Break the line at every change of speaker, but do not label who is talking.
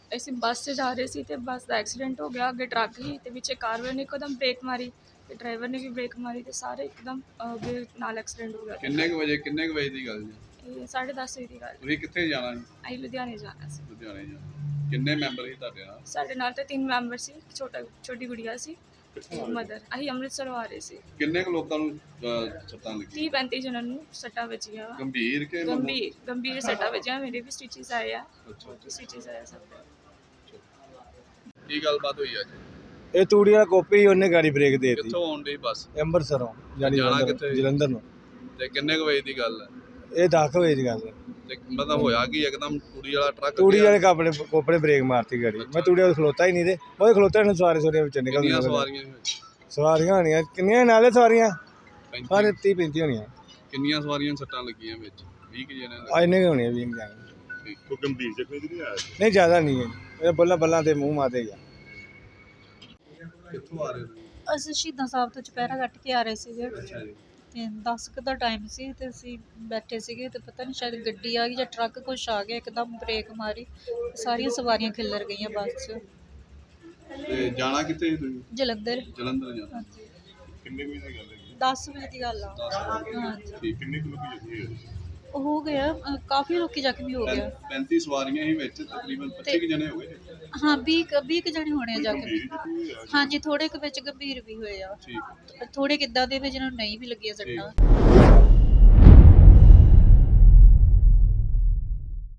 ਅਸੀਂ ਬੱਸ 'ਚ ਜਾ ਰਹੇ ਸੀ ਤੇ ਬੱਸ ਦਾ ਐਕਸੀਡੈਂਟ ਹੋ ਗਿਆ। ਅੱਗੇ ਟਰੱਕ ਸੀ ਤੇ ਪਿੱਛੇ ਕਾਰ ਵਾਲੇ ਨੇ ਇੱਕਦਮ ਬ੍ਰੇਕ ਮਾਰੀ ਤੇ ਡਰਾਈਵਰ ਨੇ ਵੀ ਬ੍ਰੇਕ ਮਾਰੀ ਤੇ ਸਾਰੇ ਇੱਕਦਮ ਅੱਗੇ ਨਾਲ ਐਕਸੀਡੈਂਟ ਹੋ ਗਿਆ।
ਕਿੰਨੇ ਕੁ ਵਜੇ ਦੀ ਗੱਲ ਜੀ?
ਇਹ 10:30 ਵਜੇ ਦੀ ਗੱਲ।
ਤੁਸੀਂ ਕਿੱਥੇ ਜਾਣਾ ਸੀ?
ਅਸੀਂ ਲੁਧਿਆਣੇ ਜਾਣਾ ਸੀ।
ਲੁਧਿਆਣੇ ਜਾਣਾ। ਕਿੰਨੇ ਮੈਂਬਰ ਸੀ ਤੁਹਾਡੇ ਨਾਲ?
ਸਾਡੇ ਨਾਲ ਤੇ 3 ਮੈਂਬਰ ਸੀ, ਛੋਟੀ ਗੁੜੀਆ ਸੀ, ਮਦਰ। ਅਸੀਂ ਅੰਮ੍ਰਿਤਸਰ ਆ ਰਹੇ ਸੀ।
ਕਿੰਨੇ ਕੁ ਲੋਕਾਂ ਨੂੰ ਸੱਟਾਂ ਲੱਗੀਆਂ?
30-35 ਜਣਾਂ ਨੂੰ ਸੱਟਾਂ ਵੱਜੀਆਂ ਵਾ।
ਗੰਭੀਰ ਕਿ
ਗੰਭੀਰ ਸੱਟਾਂ ਵੱਜੀਆਂ। ਮੇਰੇ ਵੀ ਸਟਿਚਸ ਆਏ ਆ।
ਅੱਛਾ।
ਸਟਿਚਸ ਆਏ ਸਭ ਦੇ।
ਕੀ ਗੱਲਬਾਤ ਹੋਈ ਅੱਜ?
ਇਹ ਤੂੜੀ ਵਾਲਾ ਕੋਪੀ ਉਹਨੇ ਗਾੜੀ ਬ੍ਰੇਕ ਦੇ ਦਿੱਤੀ।
ਕਿੱਥੋਂ ਆਉਣ ਡਈ ਬੱਸ?
ਅੰਮ੍ਰਿਤਸਰੋਂ ਜਾਣੀ
ਜਾਣਾ ਕਿੱਥੇ?
ਜਲੰਧਰ ਨੂੰ।
ਤੇ ਕਿੰਨੇ ਕੁ ਵਜੇ ਦੀ ਗੱਲ ਹੈ?
ਇਹ 10 ਵਜੇ ਦੀ ਗੱਲ ਹੈ।
ਤੇ ਮਤਲਬ ਹੋਇਆ ਕਿ ਇੱਕਦਮ ਤੂੜੀ ਵਾਲਾ ਟਰੱਕ
ਤੂੜੀ ਵਾਲੇ ਕੋਪੜੇ ਬ੍ਰੇਕ ਮਾਰਤੀ ਗਾੜੀ। ਮੈਂ ਤੂੜੀ ਵਾਲੇ ਖਲੋਤਾ ਹੀ ਨਹੀਂ ਤੇ ਉਹ ਖਲੋਤੇ ਨੇ ਸਵਾਰੀਆਂ ਵਿੱਚ ਨਿਕਲ
ਕਿੰਨੀਆਂ ਸਵਾਰੀਆਂ ਸੀ ਵਿੱਚ?
ਸਵਾਰੀਆਂ ਹੋਣੀਆਂ ਕਿੰਨੀਆਂ ਨਾਲੇ ਸਵਾਰੀਆਂ
35?
ਸਾਰੇ 30-35 ਹੋਣੀਆਂ।
ਕਿੰਨੀਆਂ ਸਵਾਰੀਆਂ ਸੱਟਾਂ ਲੱਗੀਆਂ ਵਿੱਚ? 20 ਕਿ ਜਣੇ
ਆ ਇੰਨੇ ਹੋਣੀਆਂ 20 ਜਾਣੇ।
ਕੋਈ ਗੰਭੀਰ ਜ਼ਖਮੀ ਨਹੀਂ ਆਇਆ?
ਨਹੀਂ ਜ਼ਿਆਦਾ ਨਹੀਂ ਹੈ। ਇਹ ਬੱਲਾਂ ਤੇ ਮੂੰਹ ਮਾਰਦੇ ਗਿਆ।
ਕਿੱਥੋਂ ਆ ਰਹੇ ਹੋ?
ਅਸੀਂ ਸ਼ਹੀਦਾਂ ਸਾਹਿਬ ਤੋਂ ਚੁਪਹਿਰਾ ਕੱਟ ਕੇ ਆ ਰਹੇ ਸੀਗੇ
ਅੱਛਾ ਜੀ।
ਤੇ 10 ਕੁ ਦਾ ਟਾਈਮ ਸੀ ਤੇ ਅਸੀਂ ਬੈਠੇ ਸੀਗੇ ਤੇ ਪਤਾ ਨਹੀਂ ਸ਼ਾਇਦ ਗੱਡੀ ਆ ਗਈ ਜਾਂ ਟਰੱਕ ਕੁਛ ਆ ਗਿਆ, ਇੱਕਦਮ ਬ੍ਰੇਕ ਮਾਰੀ, ਸਾਰੀਆਂ ਸਵਾਰੀਆਂ ਖਿੱਲਰ ਗਈਆਂ ਬੱਸ 'ਚ।
ਤੇ ਜਾਣਾ ਕਿੱਥੇ ਸੀ ਤੁਸੀਂ?
ਜਲੰਧਰ।
ਜਲੰਧਰ ਜਾਣਾ।
ਹਾਂਜੀ।
ਕਿੰਨੇ ਵਜੇ ਦੀ ਗੱਲ ਹੈ?
10 ਵਜੇ ਦੀ ਗੱਲ ਆ।
10 ਵਜੇ।
ਹਾਂਜੀ।
ਠੀਕ। ਕਿੰਨੇ ਕੁ ਲੋਕੀ ਜ਼ਖਮੀ ਹੋਏ?
ਹੋ ਗਿਆ ਕਾਫੀ ਲੋਕੀ ਜ਼ਖਮੀ ਹੋ ਗਿਆ।
35 ਸਵਾਰੀਆਂ ਹੀ ਵਿੱਚ, ਤਕਰੀਬਨ 25 ਕੁ ਜਣੇ ਹੋ ਗਏ।
ਹਾਂ 20 ਕੁ ਜਣੇ ਹੋਣੇ ਆ ਜ਼ਖਮੀ। ਹਾਂਜੀ, ਥੋੜੇ ਕੁ ਵਿੱਚ ਗੰਭੀਰ ਵੀ ਹੋਏ ਆ।
ਠੀਕ।
ਥੋੜੇ ਕਿੱਦਾਂ ਦੇ ਵੀ ਜਿਹਨਾਂ ਨੂੰ ਨਹੀਂ ਵੀ ਲੱਗੀਆਂ ਸੱਟਾਂ।